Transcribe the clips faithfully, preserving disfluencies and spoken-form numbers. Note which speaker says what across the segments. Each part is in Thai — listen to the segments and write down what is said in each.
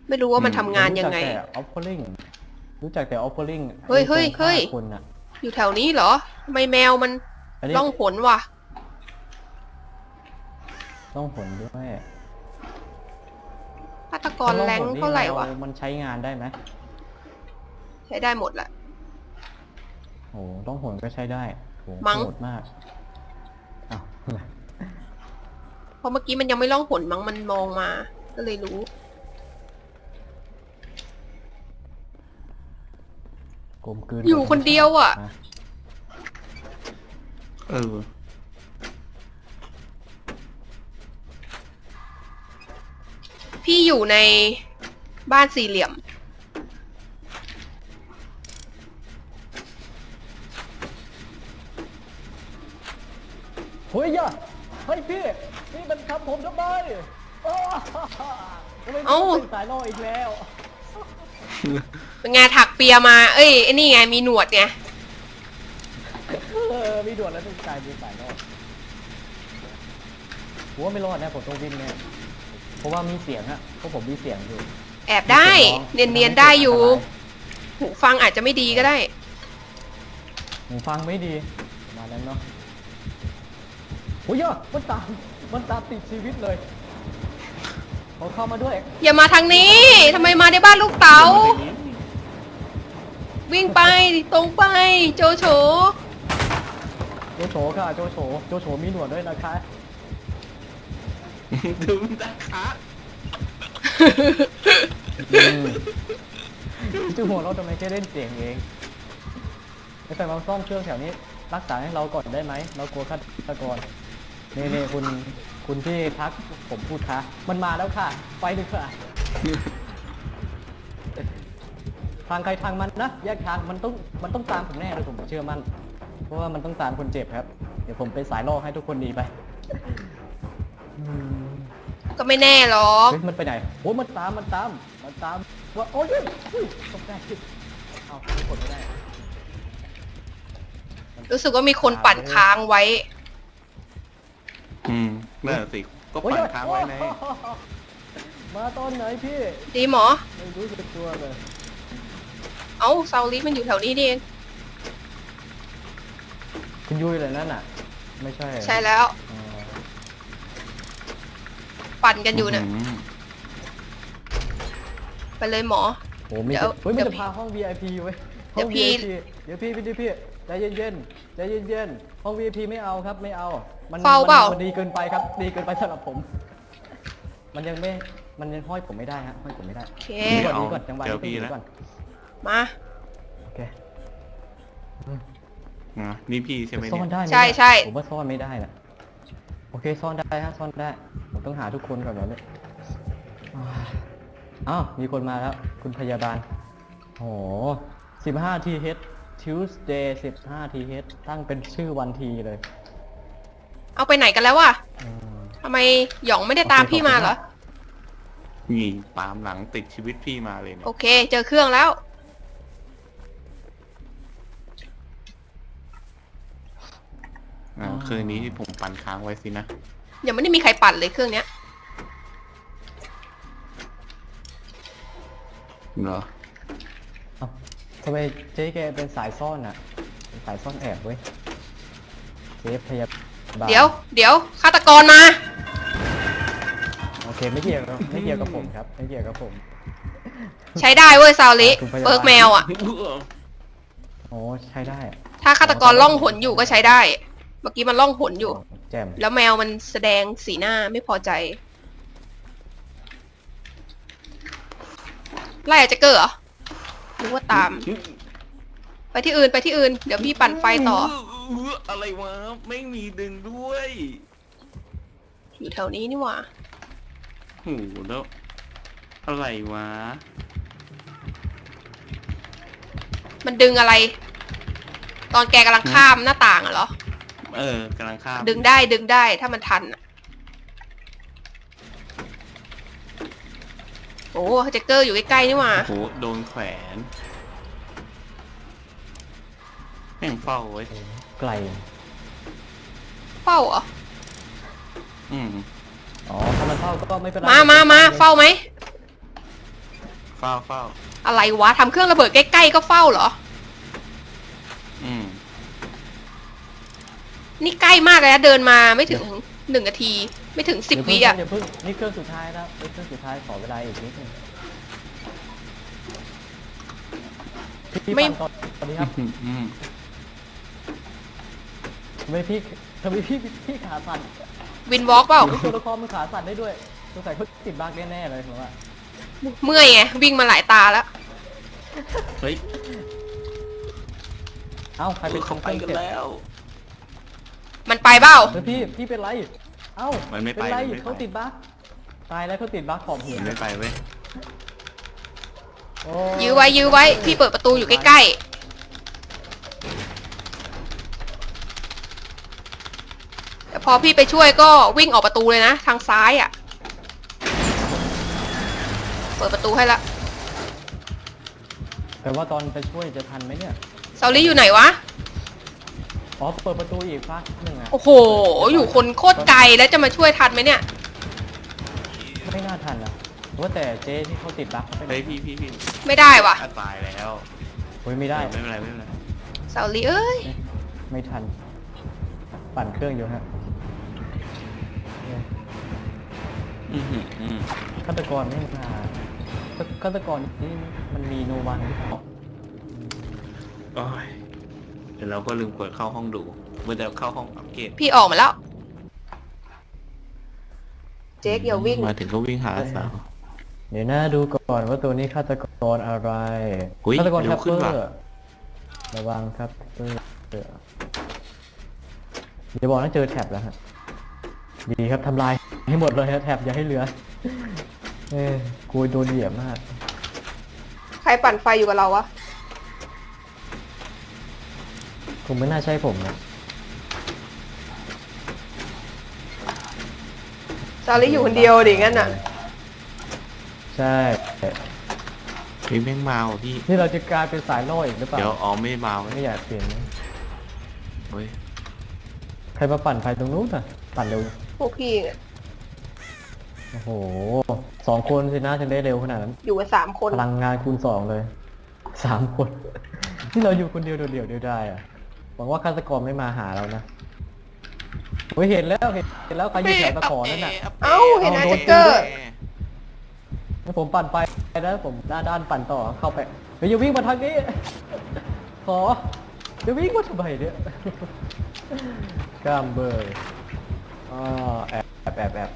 Speaker 1: ไม่รู้ว่ามันทำงานยังไง
Speaker 2: รู้จักแต่ offering รู้จักแต่ offering
Speaker 1: เฮ้ยเฮ้ยเฮ้ย
Speaker 2: คนอะ
Speaker 1: อยู่แถวนี้เหรอทำไมแมวมัน
Speaker 2: อันนี้
Speaker 1: ล่องหนวะ
Speaker 2: ต้องผลด้วย
Speaker 1: ฆาตกรแรงเท่าไหร่วะ
Speaker 2: มันใช้งานได้ไหม
Speaker 1: ใช้ได้หมดแหละ
Speaker 2: โอ้ต้องผลก็ใช้ได้โห
Speaker 1: มั้ง
Speaker 2: โหดมากอ้าว
Speaker 1: เพราะเมื่อกี้มันยังไม่ล่องหนมั้งมันมองมาก็เลยรู้
Speaker 2: กลมกลืน
Speaker 1: อยู่คนเดียวอะ
Speaker 2: นะ
Speaker 3: เออ
Speaker 1: พี่อยู่ในบ้านสี่เหลี่ยม
Speaker 2: เฮ้ยอย่าเฮ้ยพี่นี่มันทำผมทำไมอ้าวทำไม
Speaker 1: เอ้า
Speaker 2: เป็นสายล่ออีกแล้ว
Speaker 1: เป็นไงถักเปียมา เอ้ยไอ้นี่ไงมีหนวดไง
Speaker 2: เออมีด่วนแล้วต้องกลายเป็นสายล่อผมว่าไม่รอดนะผมต้องวิ่งแน่เพราะว่ามีเสียงอะเพราะผมมีเสียงอยู่
Speaker 1: แอบได้ เนียนๆได้อยู่ หูฟังอาจจะไม่ดีก็ได้
Speaker 2: หูฟังไม่ดีประมาณนั้นเนาะโอ้ยอะมันตามมันตามติดชีวิตเลยเขาเข้ามาด้วย
Speaker 1: อย่ามาทางนี้ทำไมมาในบ้านลูกเต๋า วิ่งไปตรงไปโจโฉ
Speaker 2: โจโฉค่ะโจโฉโจโฉมีหนวดด้วยนะคะ
Speaker 3: ดูตาคะ
Speaker 2: จูหัวเราทำไมแค่เล่นเสียงเองไอ้แต่เราซ่อมเครื่องแถวนี้รักษาให้เราก่อนได้ไหมเรากลัวฆาตกรนี่นี่คุณคุณที่ทักผมพูดคะมันมาแล้วค่ะไปดีกว่าทางใครทางมันนะแยกทางมันต้องมันต้องตามผมแน่เลยผมเชื่อมั่นเพราะว่ามันต้องตามคนเจ็บครับเดี๋ยวผมเป็นสายล่อให้ทุกคนหนีไป
Speaker 1: ก็ไม่แน่หรอก
Speaker 2: เฮ้ยมันไปไหนโอ้มันตามมันตามมันตามว่าโอ้ยอุ้ยตกใจเอาไม่กดไม่ได้
Speaker 1: รู้สึกว่ามีคนปั่นค้างไว้
Speaker 3: อืมนั่นนะสิ ก็
Speaker 2: โอ้ย
Speaker 3: ปั่นค้างไว้ใน
Speaker 2: มาตอนไหนพี่
Speaker 1: ดีหมอ
Speaker 2: ไม่รู้สึกตัวเลย
Speaker 1: เอ้าซาวลิมันอยู่แถวนี้นี่เอง
Speaker 2: คุณยุ้ยเลยนั่นน่ะ ไม่ใช่
Speaker 1: ใช่แล้ว
Speaker 2: อ๋อ
Speaker 1: ปั่นกันอยู่เนี่ย
Speaker 3: ม
Speaker 1: ไปเลยหมอ
Speaker 2: โอ้มี
Speaker 1: เดี๋ยว
Speaker 2: เฮ้ย
Speaker 1: เดี๋
Speaker 2: มัน
Speaker 1: ยว
Speaker 2: จะพาห้อง วี ไอ พี เว้ย
Speaker 1: เดี๋
Speaker 2: ห้อง
Speaker 1: ยวพี่
Speaker 2: วี ไอ พี เดี๋ยวพี่พี่พี่พี่ใจเย็นๆใจเย็นๆห้อง วี ไอ พี ไม่เอาครับไม่เอา มัน
Speaker 1: เฝ้าเปล่า
Speaker 2: มันดีเกินไปครับ ดีเกินไปสำหรับผม มันยังไม่ มันยังห้อยผมไม่ได้ฮะห้อยผมไม่ได้
Speaker 1: โอเค
Speaker 2: ดีก่อนดีก่อนจังหวะนี้ต้องดีก่อน
Speaker 1: มา
Speaker 2: โอเค
Speaker 3: อ่ะนี่พี่ใช่ไหม
Speaker 2: ซ่
Speaker 3: เนี่
Speaker 2: อน
Speaker 3: ย
Speaker 2: ได้ไหม
Speaker 1: ใช่ใช่
Speaker 2: ผมว่าซ่อนไม่ได้นะโอเคซ่อนได้ฮะซ่อนได้ ผมต้องหาทุกคนก่อนแบบนี้อ้าวมีคนมาแล้ว คุณพยาบาลโอ้สิบห้าทีเฮด Tuesday สิบห้าทีเฮดตั้งเป็นชื่อวันทีเลย
Speaker 1: เอาไปไหนกันแล้ววะ
Speaker 2: อืม
Speaker 1: ทำไมหยองไม่ได้ตามพี่มาเหรอ
Speaker 3: นี่ตามหลังติดชีวิตพี่มาเลยเนี่ย
Speaker 1: โอเค เจอเครื่องแล้ว
Speaker 3: อ่าคืนนี้ที่ผมปั่นค้างไว้สินะ
Speaker 1: ยังไม่ได้มีใครปั่นเลยเครื่องเนี้ย
Speaker 3: เหรอ
Speaker 2: เอ้าทำไมเจ๊แกเป็นสายซ่อนอะเป็นสายซ่อนแอบเว้ยเจ๊พยาบาล
Speaker 1: เดี๋ยวเดี๋ยวฆาตกรมา
Speaker 2: โอเคไม่เกี่ยวกับไม่เกี่ยวกับผมครับ ไม่เกี่ยวกับผม
Speaker 1: ใช้ได้เว้ยซาวลิ
Speaker 2: คุณพยาบาล
Speaker 1: เปิร์กแมวอ่ะ
Speaker 2: โอ้ใช้ได้อะ
Speaker 1: ถ้าฆาตกรล่องหนอยู่ก็ใช้ได้ เมื่อกี้มันล่องหนอยู่
Speaker 2: แจ่ม
Speaker 1: แล้วแมวมันแสดงสีหน้าไม่พอใจ ไล่อาจจะเกิดเหรอหรือว่าตาม ไปที่อื่นไปที่อื่น เดี๋ยวพี่ปั่นไฟต่อ
Speaker 3: อะไรวะ ไม่มีดึงด้วย
Speaker 1: อยู่แถวนี้นี่หว่า
Speaker 3: โหแล้ว อะไรวะ
Speaker 1: มันดึงอะไร ตอนแกกำลังข้ามหน้าต่างอะเหรอ
Speaker 3: เออกำลังข้าม
Speaker 1: ดึงได้ดึงได้ถ้ามันทันอะโอ้แจ็คเกอร์อยู่ใกล้ๆนี่หว่า
Speaker 3: โอ้โหโดนแขวนแม่งเฝ้าไว้
Speaker 2: ไกล
Speaker 1: เฝ้าเหรอ
Speaker 3: อืม
Speaker 2: อ๋อถ้ามันเฝ้าก็ไม่เป็นไร
Speaker 1: มามามาเฝ้าไหม
Speaker 3: เฝ้าเฝ้า
Speaker 1: อะไรวะทำเครื่องระเบิดใกล้ๆก็เฝ้าเหรอ
Speaker 3: อืม
Speaker 1: นี่ใกล้มากเลยนะเดินมาไม่ถึงหนึ่งนาที ไม่ถึงสิบวิอ่ะ
Speaker 2: เดี๋ยวเพิ่งนี่เครื่องสุดท้ายแล้วเครื่องสุดท้ายขอเวลาอีกนิดนึงพี่
Speaker 1: ไม่
Speaker 2: ปั่นต่อสวัสดีครับ
Speaker 3: อืมอืม
Speaker 2: ทำไมพี่ทำไมพี่พี่ขาสั่น
Speaker 1: วินวอล์กเปล่า
Speaker 2: ตัวละครมันขาสั่นได้ด้วยสงสัยเขาติดบั๊กแน่ๆเลยผมว่า
Speaker 1: เมื่อยไงวิ่งมาหลายตาแล้ว
Speaker 3: เฮ้ย
Speaker 2: เอ้าใครเป็น
Speaker 3: เขาไปกัน
Speaker 2: เสร็จ
Speaker 3: แล้ว
Speaker 1: มันไปเปล่า
Speaker 2: เฮ้ยพี่พี่เป็นไรเอ้า
Speaker 3: มันไม่ไป
Speaker 2: เป็นไร
Speaker 3: มันไม่ไป
Speaker 2: เขาติดบั๊กตายแล้วเขาติดบั๊กขอบหัว
Speaker 3: มันไม่ไปเว้ย
Speaker 2: โอ้
Speaker 1: ยื้อไว้ยื้อไว้พี่เปิดประตูอยู่ใกล้ๆแต่พอพี่ไปช่วยก็วิ่งออกประตูเลยนะ ทางซ้ายอ่ะ เปิดประตูให้ละ
Speaker 2: แต่ว่าตอนไปช่วยจะทันไหมเนี่ย
Speaker 1: ซาลี่อยู่ไหนวะ
Speaker 2: อ๋อเปิดประตูอีกฟักหนึ่งอ่ะ
Speaker 1: โอ้โห อยู่คนโคตรไกลแล้วจะมาช่วยทันไหมเนี่ย
Speaker 2: ไม่น่าทันนะว่าแต่เจ๊ที่เขาติดบั๊กเขาไปไหน
Speaker 3: เฮ้ยพี่พี่พี่
Speaker 1: ไม่ได้วะ
Speaker 3: อ่ะตายแล้ว
Speaker 2: เฮ้ยไม่ได้
Speaker 3: ไม่เป็นไรไม่เป็นไร
Speaker 1: ซาลี่เอ้ย
Speaker 2: ไม่ทัน ปั่นเครื่องอยู่ฮะ
Speaker 3: อืมอืมอืม
Speaker 2: ฆาตกรไม่มาฆาตกรนี่มันมีโนวันหรือเปล่า
Speaker 3: โอ้ยเดี๋ยวเราก็ลืมกดเข้าห้องดูเมื่อจะเข้าห้องอัปเกรด
Speaker 1: พี่ออกมาแล้ว เจ๊กอย่าวิ่ง
Speaker 3: มาถึงก็วิ่งหาสาว
Speaker 2: เดี๋ยวนะดูก่อนว่าตัวนี้ฆาตกรอะไร
Speaker 3: อุ๊ย
Speaker 2: ฆาตกร
Speaker 3: เร็
Speaker 2: แท็
Speaker 3: ว
Speaker 2: ป
Speaker 3: ขึ้
Speaker 2: เป
Speaker 3: น
Speaker 2: อ
Speaker 3: ว่ะ
Speaker 2: ร์ระวังครับเปอร์เดี๋ยวบอกนะเจอแท็บแล้วฮะดีครับทำลายให้หมดเลยฮะแท็บอย่าให้เหลือเอ้ยกูโดนเหยียบมาก
Speaker 1: ใครปั่นไฟอยู่กับเราวะ
Speaker 2: คงไม่น่าใช่ผมนะ
Speaker 1: ซาลี่อยู่คนเดียวดิงั้นอ่ะ
Speaker 2: ใช่
Speaker 3: พี่แม่งมาว่ะพี่
Speaker 2: นี่เราจะกลายเป็นสายล่ออีกหรือเปล่า
Speaker 3: เดี๋ยวอ๋อไม่มาเว้ย
Speaker 2: ไม่อยากเปลี่ยนนะ
Speaker 3: เฮ้ย
Speaker 2: ใครมาปั่นไฟตรงนู้นอ่ะ ปั่นเร็ว
Speaker 1: พวกพี่เนี่ย
Speaker 2: โอ้โหสองคนสินะถึงได้เร็วขนาดนั้น
Speaker 1: อยู่กันสามคน
Speaker 2: พลังงานคูณสองเลยสามคน ที่เราอยู่คนเดียวโดดเดี่ยวเดียวได้อะหวังว่าฆาตกรไม่มาหาเรานะโอ้ยเห็นแล้วเห็นเห็นแล้วใครอยู่แถวตะขอนั่นน่ะ
Speaker 1: เอ้าเห็น
Speaker 2: เอา
Speaker 1: อา
Speaker 2: โด
Speaker 1: เจ
Speaker 2: น
Speaker 1: เกอร์
Speaker 2: งั้นผมปั่นไปแล้วผมด้านด้านปั่นต่อเข้าไปเฮ้ยอย่าวิ่งมาทางนี้ ขออย่าวิ่งมาทำไมเนี่ยกล้ามเบยอ๋อแอบแอบแอบแอบ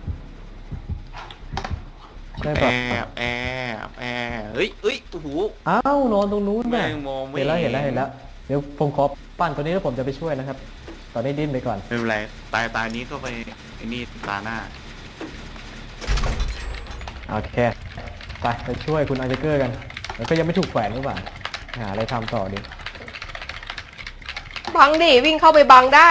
Speaker 2: ได้
Speaker 3: แอ
Speaker 2: ปะ
Speaker 3: บแอบแอบเฮ้ยเฮ้ยโอ้โห
Speaker 2: อ้าวนอนตรงนู้นน่ะ
Speaker 3: แม่งมองไม่
Speaker 2: เห็นแล้ว
Speaker 3: เห็
Speaker 2: เห็
Speaker 3: น
Speaker 2: นแล้วเห็นแล้วเดี๋ยวผมขอปั่นตัวนี้แล้วผมจะไปช่วยนะครับ ตอนนี้ดิ้นไปก่อน
Speaker 3: ไม่เป็นไรตายตายนี้ก็ไปไอ้นี่ตาหน้า
Speaker 2: โอเคไปไปช่วยคุณอาร์เจเกอร์กันแล้วก็ยังไม่ถูกแขวนหรือเปล่าหาอะไรทำต่อดิ
Speaker 1: บังดิวิ่งเข้าไปบังได้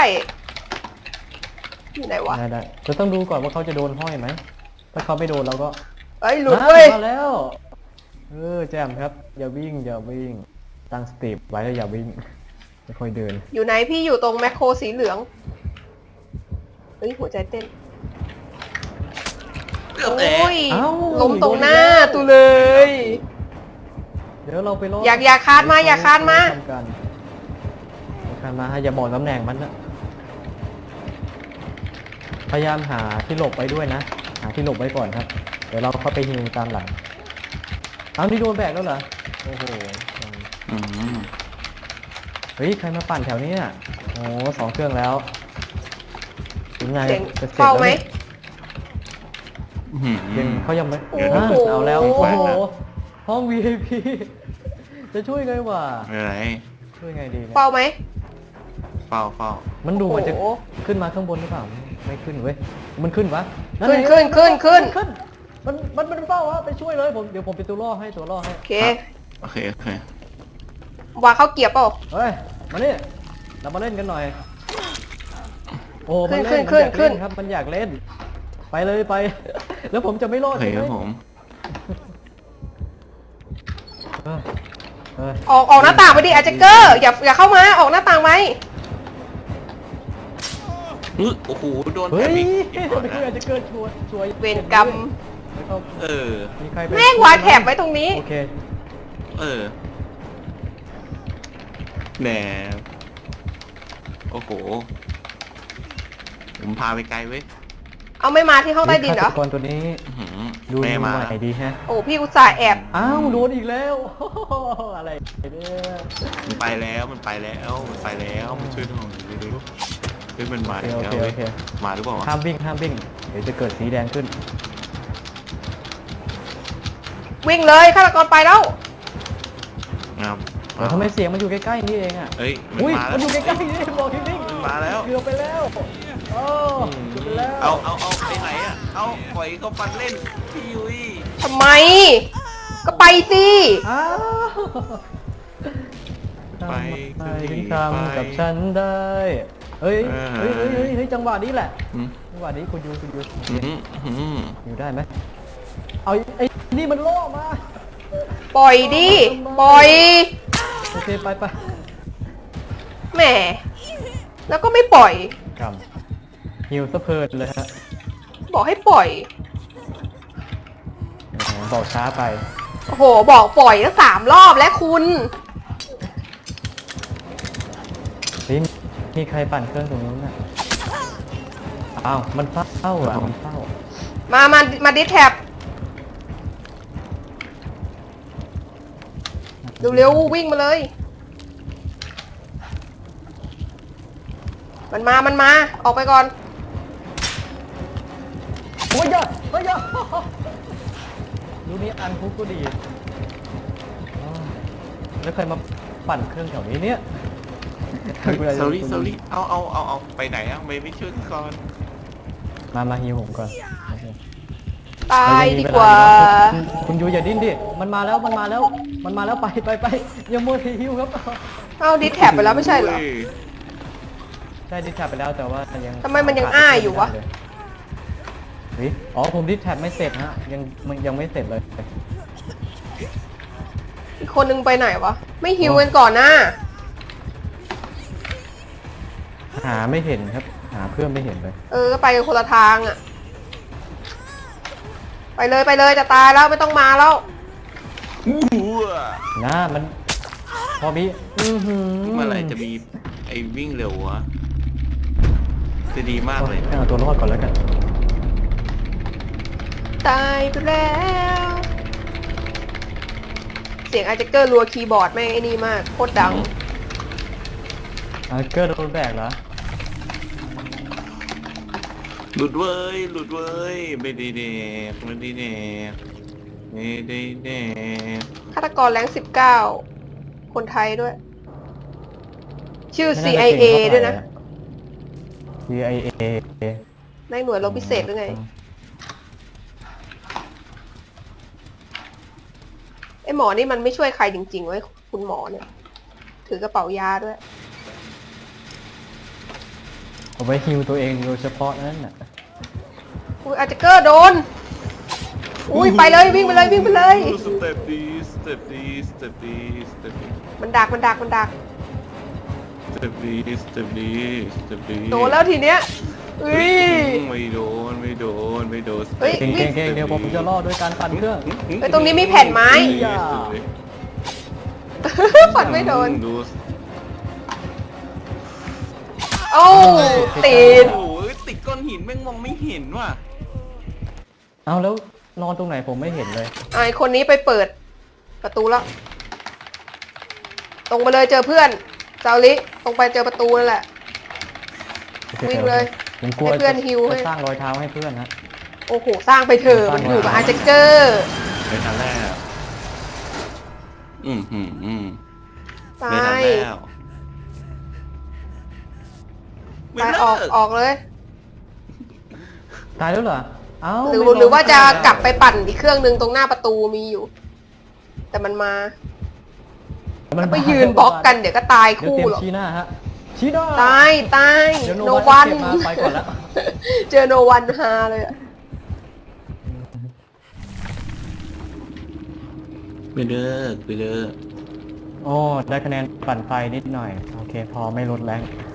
Speaker 1: อยู่ไหนวะ
Speaker 2: ได้ได้จะต้องดูก่อนว่าเขาจะโดนห้อยไหมถ้าเขาไม่โดนเราก็
Speaker 1: เอ้ยหลุดเว้ย
Speaker 2: มาแล้วเออแจมครับ อย่าวิ่งอย่าวิ่งตั้งสติไว้แล้วอย่าวิ่งไม่ค่อยเดิน
Speaker 1: อยู่ไหนพี่อยู่ตรงแมคโครสีเหลือง เฮ้ยหัวใจเต้น
Speaker 3: เกือบ
Speaker 1: โอ
Speaker 3: แตก้
Speaker 1: ย
Speaker 2: เอ้า
Speaker 1: ล้มตรงหน้าตูเลย
Speaker 2: เดี๋ยวเราไปรอ
Speaker 1: อยากอยากคานมาอยากคานมา
Speaker 2: ทำกันอยากคานมาอย่าบอกตำแหน่งมันนะพยายามหาที่หลบไว้ด้วยนะหาที่หลบไว้ก่อนครับ เดี๋ยวเราเข้าไปฮิวตามหลังเอานี่โดนแบกแล้วเหรอโอ้โห
Speaker 3: อืม
Speaker 2: เฮ้ยใครมาปั่นแถวนี้อ่ะโอ้สองเครื่องแล้วถึงไง
Speaker 1: เจ๋ง
Speaker 2: จะสร็จ
Speaker 1: เฝ้าไหม
Speaker 2: แล้วนี่
Speaker 3: อืม
Speaker 2: ยังเขายังไม่
Speaker 1: โอ้โห
Speaker 2: อ่ะเอาแล้ว
Speaker 3: โอ้
Speaker 2: โอ้
Speaker 3: โห
Speaker 2: โหห้อง วี ไอ พี จะช่วยไงวะ
Speaker 3: ไม่เป็นไร
Speaker 2: ช่วยไงดีเนี่ย
Speaker 1: เฝ้าไหม
Speaker 3: เฝ้าเฝ้า
Speaker 2: มันดูมันจะ
Speaker 1: โอ้โห
Speaker 2: ขึ้นมาข้างบนหรือเปล่าไม่ขึ้นเว้ยมันขึ้นวะ
Speaker 1: ขึ้น
Speaker 2: ไง
Speaker 1: ขึ้นขึ้นขึ้น
Speaker 2: ขึ้นมันมันมันเฝ้าวะไปช่วยเลยผมเดี๋ยวผมเป็นตัวล่อให้ตัวล่อให้
Speaker 1: โอเค
Speaker 3: โอเคโอเคว
Speaker 1: างเข้าเกียร์เปล่า
Speaker 2: เฮ้ยมานี่เรามาเล่นกันหน่อยโอ้มัน
Speaker 1: ขึ้
Speaker 2: เล่
Speaker 1: น
Speaker 2: น
Speaker 1: ขึ้
Speaker 2: มัน
Speaker 1: น ขึ้น
Speaker 2: อยากเล่นครับมันอยากเล่น ไปเลยไป แล้วผมจะไม่รอ
Speaker 3: โอ
Speaker 2: ด
Speaker 3: เค
Speaker 2: ใช่ไห
Speaker 3: ค
Speaker 2: ม
Speaker 3: รับผม
Speaker 2: เฮ้ยเฮ้ย
Speaker 1: ออกออกหน้าต่างไปดิอาเจเกอร์อย่าอย่าเข้ามาออกหน้าต่างไป
Speaker 3: อุ๊ยโอ้โหโดน
Speaker 2: เฮ้
Speaker 3: แถ
Speaker 2: ย
Speaker 3: บอีกเก็บก่อน
Speaker 2: เพื่อ
Speaker 3: นะ
Speaker 2: จะเกิดช่วยช่วย
Speaker 1: เวรกรรม
Speaker 2: เฮ้เข้า
Speaker 3: เออ
Speaker 2: มีใครไป
Speaker 1: แม่งวางแถบไว้ตรงนี้
Speaker 2: โอเค
Speaker 3: เออแหนโอ้โห ผมพาไปไกลเว้ย
Speaker 1: เอาไม่มาที่ห้องใต้ดินเหรอ
Speaker 2: ฆาตกรตัวนี้
Speaker 3: อื้อหือ
Speaker 2: ดู
Speaker 3: แม่มา
Speaker 2: ใหม่ดีฮะ
Speaker 1: โอ้พี่อุตส่าห์แอบ
Speaker 2: อ้าวโดนอีกแล้ว อะไรเนี่ย
Speaker 3: มันไปแล้วมันไปแล้วมันไปแล้วมันช่วยหน่อยเร็วๆเฮ้ยมันมา
Speaker 2: โอ
Speaker 3: แล้ว
Speaker 2: เค
Speaker 3: เว้
Speaker 2: โอย เค
Speaker 3: มาหรือเปล่าวะ
Speaker 2: ห้ามวิ่งห้ามวิ่งเดี๋ยวจะเกิดสีแดงขึ้น
Speaker 1: วิ่งเลยฆาตกรไปแล้ว
Speaker 3: ครับ
Speaker 2: เดี๋ยวทำไมเสียงมันอยู่ใกล้ๆนี่เองอ่ะ
Speaker 3: เฮ้ยมัน
Speaker 2: อุ้ย
Speaker 3: มาแล้
Speaker 2: มั
Speaker 3: วน
Speaker 2: อยู่ใกล้ๆนี่บอกที่วิ่ง
Speaker 3: มันมาแล้ว
Speaker 2: เกือบไปแล้วโอ้เกือบไปแล้ว
Speaker 3: เอาเอาเอาไปไหนอ่ะเอาปล่อยเขาฟันเล่นพี่ยุ้ย
Speaker 1: ทำไม ก็ไปสิ
Speaker 2: อ้าว
Speaker 3: ไป
Speaker 2: ทำไม
Speaker 3: สิ
Speaker 2: ถึง
Speaker 3: ไป
Speaker 2: ทำกับฉันได้เฮ้ย
Speaker 3: เออ
Speaker 2: เฮ้ยเฮ้ยเฮ้ยเฮ้ยจังหวะนี้แหละ
Speaker 3: อืม
Speaker 2: จังหวะนี้คุณยูคุณยู
Speaker 3: อืมอืม
Speaker 2: อยู่ได้ไหมเอาไอ้นี่มันล่อมา
Speaker 1: ปล่อยดิ ปล่อย
Speaker 2: โอเคไปไป
Speaker 1: แหม แล้วก็ไม่ปล่อย
Speaker 2: กำฮิวสะเพลิดเลยฮะ
Speaker 1: บอกให้ปล่อย
Speaker 2: โอ้โหบอกช้าไป
Speaker 1: โอ้โห บอกปล่อยตั้งสามรอบแล้วคุณ
Speaker 2: เฮ้ยมีใครปั่นเครื่องตรงนู้นน่ะอ้าวมันเฝ้าอ่ะมันเฝ้า
Speaker 1: มา มา มาดิสแท็บเร็วๆวิ่งมาเลย มันมา มันมา ออกไปก่อน
Speaker 2: โอ้ยยอดโอ้ยยอดดูนี่อันคุกก็ดีอ้าวแล้วใครมาปั่นเครื่องแถวนี้เนี่ย
Speaker 3: เซอรี่เซอรี่เอาเอาเอาเอาไปไหนอ่ะไม่ไม่ช่วยก่อน
Speaker 2: มามาฮิวผมก่อนโอเค
Speaker 1: ตายดีกว่า
Speaker 2: คุณคุณยูอย่าดิ้นดิ มันมาแล้วมันมาแล้ว มันมาแล้วไปไปไปอย่ามัวทีฮิวครับ
Speaker 1: เอาดิสแท็บไปแล้วไม่ใช่เหรอ
Speaker 2: ใช่ดิสแท็บไปแล้วแต่ว่ายัง
Speaker 1: ทำไมมันยังอ้ายอยู่วะ
Speaker 2: เฮ้ยอ๋อผมดิสแท็บไม่เสร็จฮะยังมันยังไม่เสร็จเลย
Speaker 1: อีกคนนึงไปไหนวะ ไม่ฮิวกันก่อนนะ
Speaker 2: หาไม่เห็นครับ หาเพื่อนไม่เห็นเลย
Speaker 1: เออ ก็ไปกันคนละทางอะไปเลยไปเลยจะตายแล้วไม่ต้องมาแล้ว
Speaker 3: อู้หูอะ
Speaker 2: นะมันพอมีอื้อหือ
Speaker 3: เมื่อไหร่จะมีไอ้วิ่งเร็ววะจะดีมากเลย
Speaker 2: เอาตัวรอดก่อนแล้วกัน
Speaker 1: ตายไปแล้ว เสียงอาร์เจเกอร์รัวคีย์บอร์ดแม่งไอ้นี่มากโคตรดัง
Speaker 2: อ่าเกิร์โดนแบกเหรอ
Speaker 3: หลุดเว้ยหลุดเว้ยไม่ได้เด็กไม่ได้เด็กไม่ได้เด็ก
Speaker 1: ฆาตกรแรงสิบเก้าคนไทยด้วย ชื่อ ซี ไอ เอ ด้วยนะ
Speaker 2: ซี ไอ เอ
Speaker 1: ในหน่วยรบพิเศษหรือไงไอหมอนี่มันไม่ช่วยใครจริงๆเว้ยคุณหมอเนี่ย ถือกระเป๋ายาด้วย
Speaker 2: เอาไว้ฮิวตัวเองโดยเฉพาะนั่นน่ะ
Speaker 1: อุ้ยอาร์เจเกอร์โดน อุ้ยไปเลยวิ่งไปเลยวิ่งไปเลย
Speaker 3: สเต็ปดีสเต็ปดีสเต็ปดีสเต็ปดี
Speaker 1: มันดักมันดักมันดัก
Speaker 3: สเต็ปดีสเต็ปดีสเต็ปดี
Speaker 1: โดนแล้วทีเนี้ยอุ้ย
Speaker 3: ไม่โดนไม่โดนไม่โดน
Speaker 1: เฮ้ย
Speaker 2: เก่งเก่งเก่งเดี๋ยวผมจะล่อด้วยการปั่นเครื่อง
Speaker 1: เฮ้ยตรงนี้มีแผ่นไม้ ฝันไม่โดน
Speaker 3: ดู
Speaker 1: โอ้ติด
Speaker 3: โอ้ยติดก้อนหินแม่งมองไม่เห็นว่ะ
Speaker 2: เอาแล้วนอนตรงไหนผมไม่เห็นเลย
Speaker 1: ไอคนนี้ไปเปิดประตูแล้ว ตรงไปเลยเจอเพื่อนเจ้าลิตรงไปเจอประตูนั่นแหละ วิ่งเลย
Speaker 2: ผมกลัว
Speaker 1: ให้เพื่อนฮิวให้
Speaker 2: จะสร้างรอยเท้าให้เพื่อนฮะ
Speaker 1: โอ้โห สร้างไปเถอะมันอยู่กับอาร์เจเกอร์
Speaker 3: ในทันแรกอืมอืมอืม
Speaker 1: ตา
Speaker 3: ไม่ทัน
Speaker 1: ย
Speaker 3: แล้ว
Speaker 1: ตายออกออกเลย
Speaker 2: ตายแล้วเหรอ เอ้า
Speaker 1: หรือ
Speaker 2: ไม่
Speaker 1: หรือว่าจะ
Speaker 2: ตยแล้ว
Speaker 1: กลับไปปั่นอีกเครื่องนึงตรงหน้าประตูมีอยู่ แต่มันมา
Speaker 2: มัน
Speaker 1: ไปยืนบล็อกกันเดี๋ยวก็ตาย
Speaker 2: เดี๋ยว
Speaker 1: คู่
Speaker 2: เตรียม
Speaker 1: หรอก
Speaker 2: ชี้หน้าฮะ ชี้หน้า
Speaker 1: ตายตาย
Speaker 2: เดี๋ยว
Speaker 1: โน
Speaker 2: โนวั
Speaker 1: วัน
Speaker 2: นเก็บมาไปก่อนแล้ว
Speaker 1: เจอโนวันฮาเลยอะ
Speaker 3: ไปเลิกไปเลิก
Speaker 2: โอ้ได้คะแนนปั่นไฟนิดหน่อย โอเค พอไม่ลดแรง